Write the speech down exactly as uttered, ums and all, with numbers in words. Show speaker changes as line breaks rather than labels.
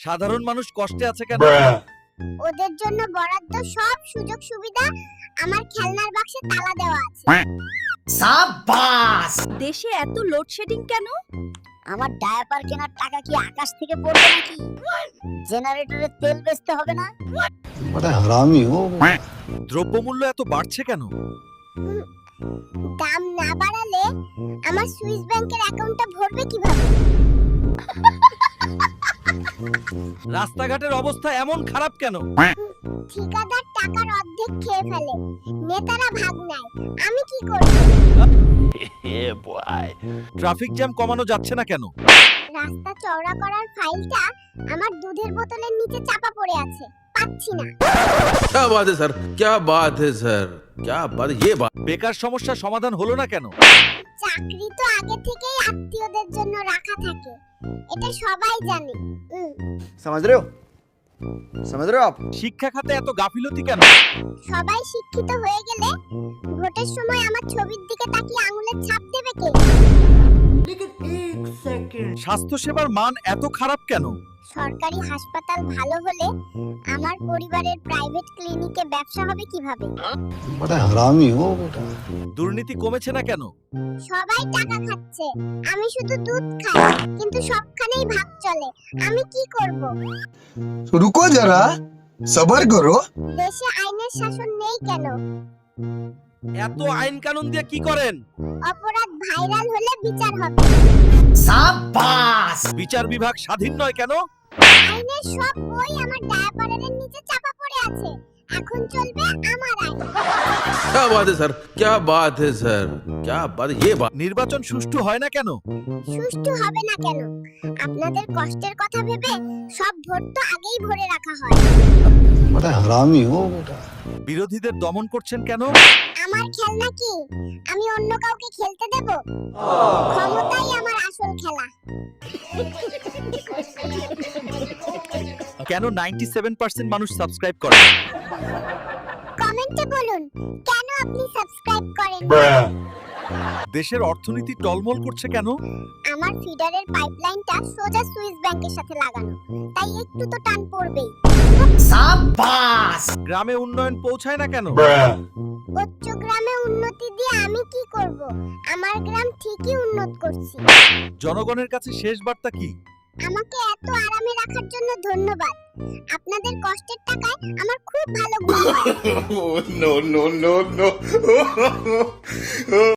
সাধারণ মানুষ কষ্টে আছে কেন?
ওদের জন্য বরাদ্দ সব সুযোগ সুবিধা আমার খেলনার বাক্সে তালা দেওয়া আছে।
সাবাস!
দেশে এত লোডশেডিং কেন?
আমার ডায়াপার কেনার টাকা কি আকাশ থেকে পড়বে নাকি? জেনারেটরের তেল বেচতে হবে না?
बड़ा हरामी हो।
দ্রব্যমূল্য এত বাড়ছে কেন?
দাম না বাড়ালে আমার সুইস ব্যাংকের অ্যাকাউন্টটা ভরবে কিভাবে?
রাস্তাঘাটের অবস্থা এমন খারাপ কেন?
ঠিকাদার টাকার অর্ধেক খেয়ে ফেলে, নেতারা ভাগ নেয়, আমি কি করব?
ট্রাফিক জ্যাম কমানো যাচ্ছে না কেন?
রাস্তা চওড়া করার ফাইলটা আমার দুধের বোতলের নিচে চাপা পড়ে আছে, পাচ্ছি না।
क्या बात है सर, क्या बात है सर, क्या बात ये बात।
বেকার সমস্যা সমাধান হলো না কেন?
চাকরি তো আগে থেকেই আত্মীয়দের জন্য রাখা থাকে, এটা সবাই জানে। উম,
समझ रहे हो समझ रहे हो आप?
শিক্ষা খাতে এত গাফিলতি কেন?
সবাই শিক্ষিত হয়ে গেলে ভোটের সময় আমার ছবির দিকে তাকিয়ে আঙুলের ছাপ দেবে কে?
স্বাস্থ্য সেবার মান এত খারাপ কেন?
সরকারি হাসপাতাল ভালো হলে আমার পরিবারের প্রাইভেট ক্লিনিকে ব্যবসা হবে কিভাবে?
बड़ा हरामी हो बेटा।
দুর্নীতি কমেছে না কেন?
সবাই টাকা খাচ্ছে, আমি শুধু দুধ খাই, কিন্তু সবখানেই ভাগ চলে, আমি কি করব?
रुको जरा सबर करो।
দেশে আইনের শাসন নেই কেন?
এত আইন কানুন দিয়ে কি করেন?
অপরাধ ভাইরাল হলে বিচার হবে।
সাবাস!
বিচার বিভাগ স্বাধীন নয় কেন?
আইনের সব বই আমার ডায়াপারের নিচে চাপা পড়ে আছে, এখন চলবে আমার আইন।
क्या बात है सर, क्या बात है सर, क्या बात ये बात।
নির্বাচন সুষ্ঠু হয় না কেন?
সুষ্ঠু হবে না কেন? আপনাদের কষ্টের কথা ভেবে সব ভোট তো আগেই ভরে রাখা হয়।
बड़ा हरामी हो बेटा।
বিরোধীদের দমন করছেন কেন?
আমার খেলনা কি আমি অন্য কাউকে খেলতে দেব? ক্ষমতাই আমার আসল খেলা।
কেন নাইনটি সেভেন পার্সেন্ট মানুষ সাবস্ক্রাইব করে?
কমেন্টে বলুন কেন আপনি সাবস্ক্রাইব করেন?
দেশের অর্থনীতি টলমল করছে কেন?
আমার ফিডারের পাইপলাইনটা সোজা সুইস ব্যাংকের সাথে লাগানো, তাই একটু তো টান পড়বেই।
সাবাস!
গ্রামে উন্নয়ন পৌঁছায় না কেন?
উচ্চ গ্রামে উন্নতি দিয়ে আমি কি করব? আমার গ্রাম ঠিকই উন্নত করছি।
জনগণের কাছে শেষ বার্তা কি?
আমাকে এত আরামে রাখার জন্য ধন্যবাদ। আপনাদের কষ্টের টাকায় আমার খুব ভালো ঘুম হয়।
no no no no